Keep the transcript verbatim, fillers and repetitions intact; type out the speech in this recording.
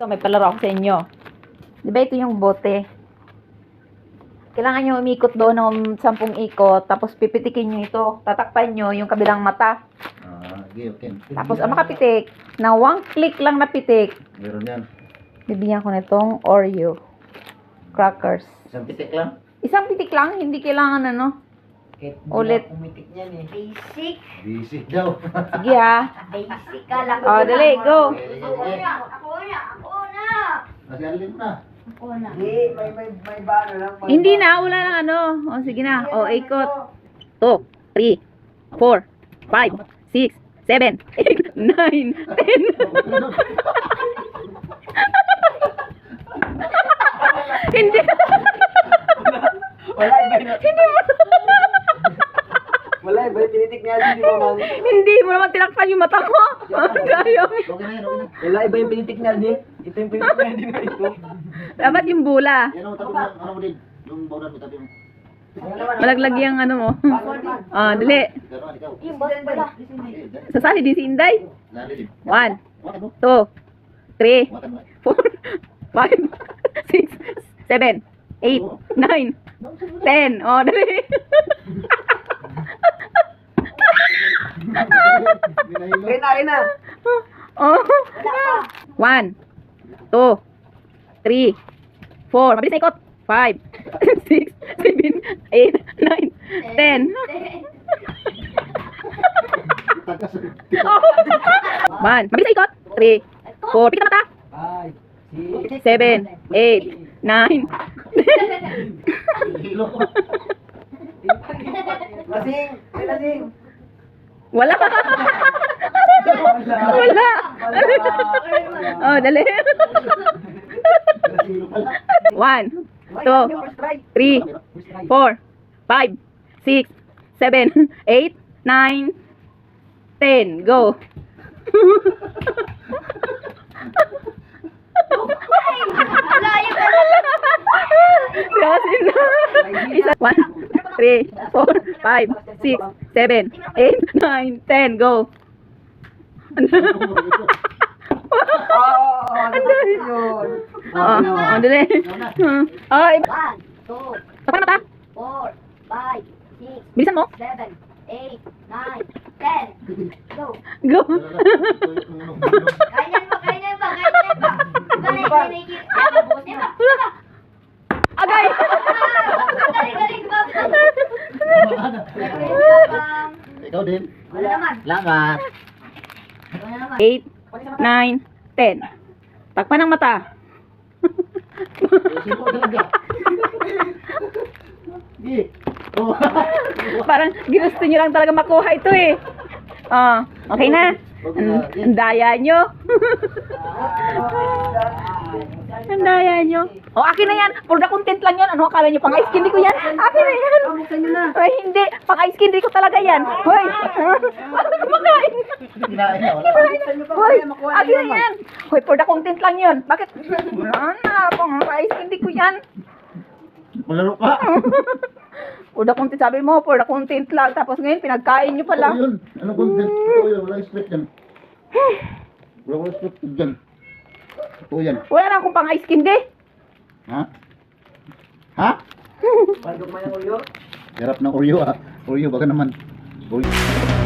may palaro ako sa inyo. Di ba ito yung bote? Kailangan nyo umikot doon ng sampung ikot, tapos pipitikin nyo ito. Tatakpan nyo yung kabilang mata. Ah, okay, okay. Tapos ang makapitik, na one click lang na pitik, Meron yan. bibigyan ko nitong Oreo crackers. Isang pitik lang. Isang pitik lang, hindi kailangan ano. Ulit. Pumitik niyan eh. Basic. Busy daw. Sige ha. Basic ka lang. Oh, dali, go. Ako na. Ako na. Ako na. Kasi alin na. Ako na. Hindi, may, may, may bano lang. may Hindi bano. na, wala lang ano. O, sige na. O, ikot. two, three, four, five, six, seven, eight, nine, ten. Hindi. Wala, iba yun. Hindi mo. Wala, iba yung tinitik niya. Hindi ba, mami? Hindi mo naman tinakpan yung mata mo. Ang gayo. Okay na yan, okay na. Wala, iba yung pinitik niya din. Ito yung pinitik niya din na ito. Dapat yung bula. Yan o, tabi mo. Ano mo din? Yung bawdan mo, tabi mo. Malaglag yung ano mo. Ah, dali. Gano'n, ikaw. Yung boss pala. Eh, dali. Sasali din si Inday. Lali din. One, Wakan mo. two, three, Wakan mo. four, five, six, seven, eight, nine, ten. Oh, dali. Binahilo. Ayun na, ayun na. Oh. One, two, three, four. Mabilis na ikot. Five, six, seven, eight, nine, ten. Tagas. One. Mabilis na ikot. Three, four. Pikit na mata. Five, six, Seven, eight, nine. Hilo ko. lasing, ay lasing. Wala. Wala. Oh, dali. Hilo pala. One, two, three, four, five, six, seven, eight, nine, ten. Go. Layo ka na. Siyasin na. Isa, one, three, four, five, six, seven, eight, nine, ten. Go. Oo, ano ba yun? Oh, oh, dali. Oh, iba. One, two, Tapan mata. four, five, six, Bilisan mo. seven, eight, nine, ten. Go. Go. Kaya pa, kaya pa, kaya pa. Galing, galing. Diba, diba, diba? Agay. Galing, galing, Bob. Ikaw din. Wala naman. Lamat. Wala naman. Eight, nine, ten. Takpan ng mata. Sino talaga? Gi. Oh. Parang ginusto nyo lang talaga makuha ito eh. Oh, okay na. Ang ang daya nyo. Ang daya nyo. Oh, akin na yan. For the content lang yan. Ano akala nyo? Pang ice candy ko yan? Akin na yan. Buksan nyo na. Ay, hindi. Pang ice candy ko talaga yan. Hoy. Paano kumakain? Kinain na, wala. Buksan nyo pa, Hoy, kaya makuha akin na nyo naman. yan. Hoy, for the content lang yun. Bakit? Ano, pang ice candy ko yan. Malaro pa. For the content, sabi mo, for the content lang. Tapos ngayon, pinagkain nyo pala. Ito yun. Ano content? Ito yun. Wala script yan. Wala wala script yan. Ito yan. Wala na akong pang ice candy. Ha? Ha? Pagod man yung ulo. Hirap ng Oreo ah. Oreo baka naman. Oreo.